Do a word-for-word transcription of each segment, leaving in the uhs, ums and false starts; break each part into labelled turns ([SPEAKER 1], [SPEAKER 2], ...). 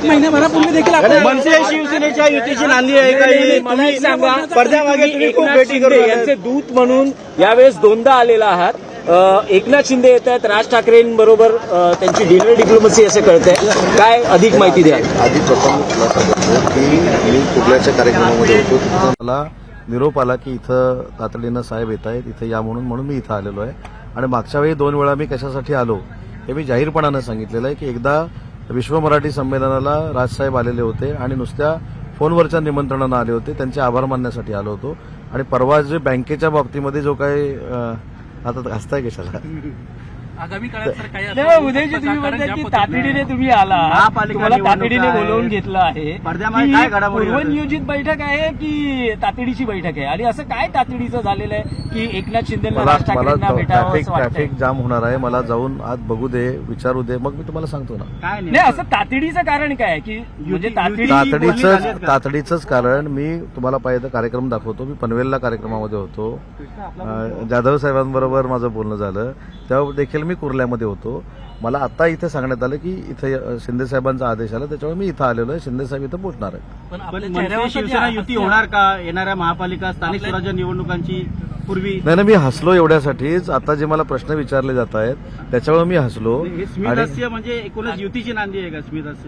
[SPEAKER 1] एक महिन्याभरापूर्वी देखील आपण
[SPEAKER 2] मनसे शिवसेनेच्या युतीची नांदी आहे का ही? तुम्ही सांगा. पडद्यामागे तुम्ही खूप भेटी करू
[SPEAKER 3] यांचे दूत म्हणून यावेळेस दोनदा आलेला आहात. अ, एकनाथ शिंदे येत आहेत, राज ठाकरेंबरोबर अ, त्यांची डिनर डिप्लोमसी असं कळतंय. काय अधिक माहिती द्या.
[SPEAKER 4] आधी प्रथम तुला सांगतो की मी कुर्ल्याच्या कार्यक्रमामध्ये होतो, मला निरोप आला की इथं तातडीनं साहेब येत आहेत, इथं या म्हणून म्हणून मी इथं आलेलो आहे. आणि मागच्या वेळी दोन वेळा मी कशासाठी आलो हे मी जाहीरपणानं सांगितलेलं आहे की एकदा विश्व मराठी संमेलनाला राजसाहेब आलेले होते आणि नुसत्या फोनवरच्या निमंत्रणानं आले होते, त्यांचे आभार मानण्यासाठी आलो होतो. आणि परवा जे बँकेच्या बाबतीमध्ये जो काही आता हसताय कशाला
[SPEAKER 1] आगामी काळात सर काय
[SPEAKER 3] नाही, उदयजी तुम्ही म्हणताय की तातडीने तुम्ही आला, तुम्हाला तातडीने बोलवून घेतलं आहे.
[SPEAKER 2] पडद्यामागे काय घडामोडी घडतात?
[SPEAKER 3] पूर्वनियोजित बैठक आहे की तातडीची बैठक आहे? आणि असं काय तातडीचं झालेलं आहे की एकनाथ शिंदेला
[SPEAKER 4] मला
[SPEAKER 3] राज
[SPEAKER 4] मला
[SPEAKER 3] ठाकरेंना भेटावं
[SPEAKER 4] ट्रॅफिक
[SPEAKER 3] असं वाटतंय?
[SPEAKER 4] ट्रॅफिक जाम होणार आहे, मला जाऊन आत बघू दे, विचारू दे, मग मी तुम्हाला सांगतो ना.
[SPEAKER 2] काय
[SPEAKER 3] नाही, असं तातडीचं कारण काय आहे की म्हणजे तातडी
[SPEAKER 4] तातडीचं तातडीचंच कारण मी तुम्हाला पाहिजे कार्यक्रम दाखवतो. मी पनवेलला कार्यक्रमामध्ये होतो, अं, जाधव साहेबांबरोबर माझं बोलणं झालं, तेव्हा देखील मी कुर्ल्यामध्ये होतो. मला आता इथे सांगण्यात आलं की इथे शिंदे साहेबांचा आदेश आला, त्याच्यामुळे मी इथं आलेलो आहे. शिंदे साहेब इथं पोहोचणार आहेत.
[SPEAKER 2] पण मनसे शिवसेना युती होणार का येणाऱ्या महापालिका स्थानिक स्वराज्य निवडणुकांची पूर्वी?
[SPEAKER 4] नाही ना, मी हसलो एवढ्यासाठीच. आता जे मला प्रश्न विचारले जात आहेत त्याच्यामुळे मी हसलो.
[SPEAKER 2] हे स्मितहास्य म्हणजे एकूणच युतीची नांदी आहे का स्मितहास्य?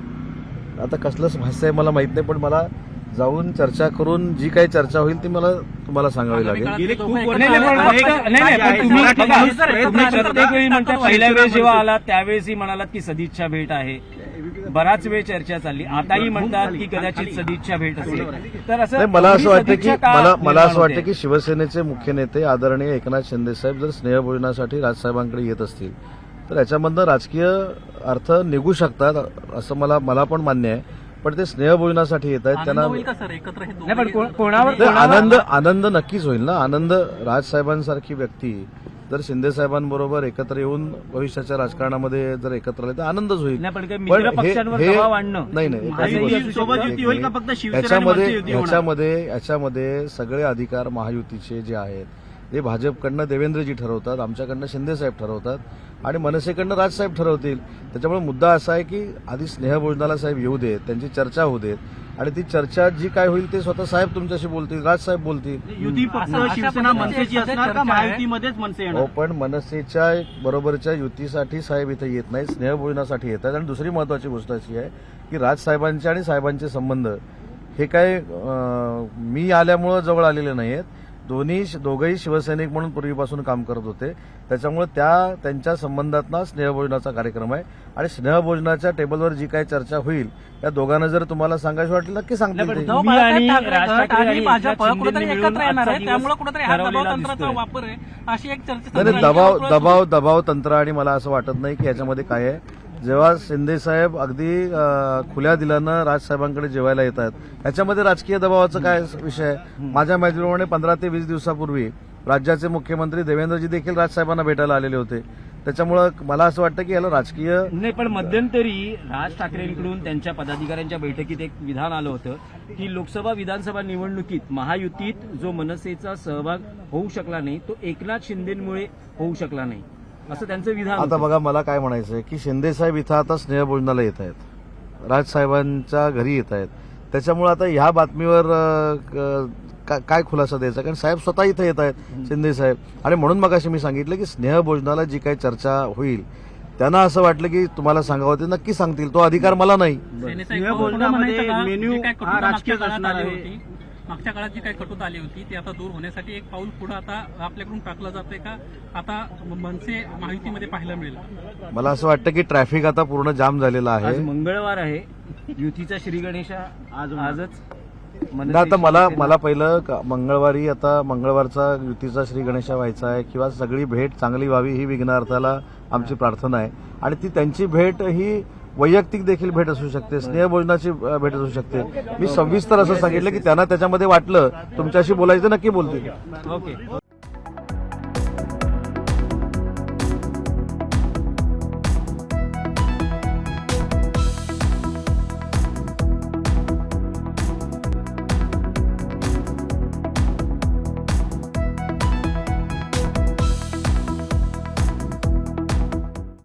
[SPEAKER 4] आता कसलं हास्य आहे मला माहित नाही, पण मला जाऊन चर्चा करून जी काही चर्चा होईल ती मला तुम्हाला सांगावी लागेल.
[SPEAKER 2] गेले खूप
[SPEAKER 3] नाही,
[SPEAKER 2] वर्ष
[SPEAKER 3] नाही, पण
[SPEAKER 2] अनेक-
[SPEAKER 3] फक्त- नाही, नाही, पण तुम्ही
[SPEAKER 2] मराठी
[SPEAKER 3] बघा,
[SPEAKER 2] माणूस प्रयत्न
[SPEAKER 3] तुम्ही
[SPEAKER 2] करतात.
[SPEAKER 3] प्रत्येक वेळी म्हणता पहिल्या वेळेस जेव्हा आलात त्यावेळेसही म्हणालात की सदिच्छा भेट आहे, बराच वेळ चर्चा चालली, आताही म्हणतात की कदाचित सदिच्छा भेट असेल. तर असं
[SPEAKER 4] नाही, मला असं
[SPEAKER 3] तुम्ही
[SPEAKER 4] वाटतं की
[SPEAKER 3] सदिच्छा का
[SPEAKER 4] मला मला
[SPEAKER 3] निर्माण
[SPEAKER 4] असं वाटतं
[SPEAKER 3] होते?
[SPEAKER 4] की शिवसेनेचे मुख्य नेते आदरणीय एकनाथ शिंदे साहेब जर स्नेहभोजनासाठी राजसाहेबांकडे येत असतील तर याच्यामधनं राजकीय अर्थ निघू शकतात असं मला मला पण मान्य आहे. पण ते स्नेहभोजनासाठी येत आहेत, त्यांना
[SPEAKER 1] सर एकत्र हे
[SPEAKER 3] नाही, पण को- कोणावर
[SPEAKER 4] नाही,
[SPEAKER 3] कोणावर-
[SPEAKER 4] आनंद आनंद नक्कीच होईल ना. आनंद राजसाहेबांसारखी व्यक्ती जर शिंदे साहेबांबरोबर एकत्र येऊन भविष्याच्या राजकारणामध्ये जर एकत्र आले तर आनंदच होईल.
[SPEAKER 3] नाही, पण काही
[SPEAKER 4] पण
[SPEAKER 3] मित्र
[SPEAKER 4] हे-
[SPEAKER 3] पक्षांवर
[SPEAKER 4] हे-
[SPEAKER 3] दबाव आणणं
[SPEAKER 4] नाही नाही एखादी
[SPEAKER 2] महायुती
[SPEAKER 4] गोष्ट-
[SPEAKER 2] सोबत युती होईल का फक्त शिवसेना आणि
[SPEAKER 4] ह्याच्यामध्ये
[SPEAKER 2] मनसे युती होणार?
[SPEAKER 4] ह्याच्यामध्ये ह्याच्यामध्ये सगळे अधिकार महायुतीचे जे आहेत ते भाजपकडनं देवेंद्रजी ठरवतात, आमच्याकडनं शिंदे साहेब ठरवतात आणि मनसेकडनं राजसाहेब ठरवतील. त्याच्यामुळे मुद्दा असा आहे की आधी स्नेहभोजनाला साहेब येऊ देत, त्यांची चर्चा होऊ देत आणि ती चर्चा जी काय होईल ते स्वतः साहेब तुमच्याशी बोलतील, राजसाहेब बोलतील.
[SPEAKER 2] युती फक्त शिवसेना मनसेची असणार का महायुतीमध्येच मनसे
[SPEAKER 4] हो,
[SPEAKER 2] येणार?
[SPEAKER 4] पण मनसेच्या बरोबरच्या युतीसाठी साहेब इथे येत नाहीत, स्नेहभोजनासाठी येत आहेत. आणि दुसरी महत्वाची गोष्ट अशी आहे की राजसाहेबांचे आणि साहेबांचे संबंध हे काय अं, मी आल्यामुळं जवळ आलेले नाहीत. दोन्ही दोघंही शिवसैनिक म्हणून पूर्वीपासून काम करत होते, त्याच्यामुळे त्या त्यांच्या संबंधातला स्नेहभोजनाचा कार्यक्रम आहे. आणि स्नेहभोजनाच्या टेबलवर जी काही चर्चा होईल त्या दोघांना जर तुम्हाला सांगायची वाटली नक्की सांगतील ते.
[SPEAKER 1] उद्धव
[SPEAKER 3] मी आणि
[SPEAKER 1] बाळासाहेब
[SPEAKER 3] राज
[SPEAKER 1] ठाकरे
[SPEAKER 3] ठाकरे
[SPEAKER 1] गट आणि
[SPEAKER 3] आणि
[SPEAKER 1] भाजप
[SPEAKER 3] एकनाथ
[SPEAKER 1] कुठेतरी
[SPEAKER 3] शिंदेंनी
[SPEAKER 1] एकत्र
[SPEAKER 3] मिळून
[SPEAKER 1] येणार
[SPEAKER 3] आजचा
[SPEAKER 1] आहे,
[SPEAKER 3] दिवस
[SPEAKER 1] त्यामुळे कुठेतरी हा
[SPEAKER 3] ठरवलेला
[SPEAKER 1] दबाव तंत्राचा
[SPEAKER 3] दिसतोय.
[SPEAKER 1] वापर आहे अशी एक चर्चा
[SPEAKER 4] नाही नाही, दबाव दबाव दबाव तंत्र आणि मला असं वाटत नाही की याच्यामध्ये काय आहे. जेव्हा शिंदे साहेब अगदी अं, खुल्या दिलानं राजसाहेबांकडे जेवायला येतात ह्याच्यामध्ये राजकीय दबावाचा काय विषय आहे? माझ्या माहितीप्रमाणे पंधरा ते वीस दिवसापूर्वी राज्याचे मुख्यमंत्री देवेंद्रजी देखील राजसाहेबांना भेटायला आलेले होते. त्याच्यामुळं मला असं वाटतं की याला राजकीय
[SPEAKER 3] नाही, पण मध्यंतरी राज ठाकरेंकडून त्यांच्या पदाधिकाऱ्यांच्या बैठकीत एक विधान आलं होतं की लोकसभा विधानसभा निवडणुकीत महायुतीत जो मनसेचा सहभाग होऊ शकला नाही तो एकनाथ शिंदेमुळे होऊ शकला नाही असं त्यांचं विधान
[SPEAKER 4] आता
[SPEAKER 3] होतं.
[SPEAKER 4] बघा मला काय म्हणायचं आहे की शिंदे साहेब इथं आता स्नेहभोजनाला येत आहेत, राजसाहेबांच्या घरी येत आहेत. त्याच्यामुळे आता ह्या बातमीवर अं, क- का- काय खुलासा द्यायचा, कारण साहेब स्वतः इथं येत आहेत शिंदे साहेब. आणि म्हणून मगाशी मी सांगितलं की स्नेहभोजनाला जी काही चर्चा होईल त्यांना असं वाटलं की तुम्हाला सांगावं ते नक्की सांगतील, तो अधिकार मला नाही.
[SPEAKER 2] स्नेहभोजनामध्ये मेन्यू हा राजकीयच असणार आहे.
[SPEAKER 1] मागच्या काळात जी काही कटुता आली होती ती आता दूर होण्यासाठी एक पाऊल पुढे आता आपल्याकडून टाकलं जातंय का? आता मनसे महायुतीमध्ये पाहायला मिळेल.
[SPEAKER 4] मला असं वाटतं की ट्रॅफिक आता पूर्ण जाम झालेलं
[SPEAKER 3] आज
[SPEAKER 4] आहे.
[SPEAKER 3] मंगळवार आहे, युतीचा श्री गणेशा आज आजच
[SPEAKER 4] नाही, आता मला मला पहिलं क- मंगळवारी आता मंगळवारचा युतीचा श्री गणेशा व्हायचा आहे किंवा सगळी भेट चांगली व्हावी ही विघ्नहर्त्याला आमची प्रार्थना आहे. आणि ती त्यांची भेट ही वैयक्तिक देखील भेट असू शकते, स्नेहभोजनाची अ, भेट असू शकते. मी सविस्तर असं सांगितलं की त्यांना त्याच्यामध्ये वाटलं तुमच्याशी बोलायचं नक्की बोलतील.
[SPEAKER 3] ओके.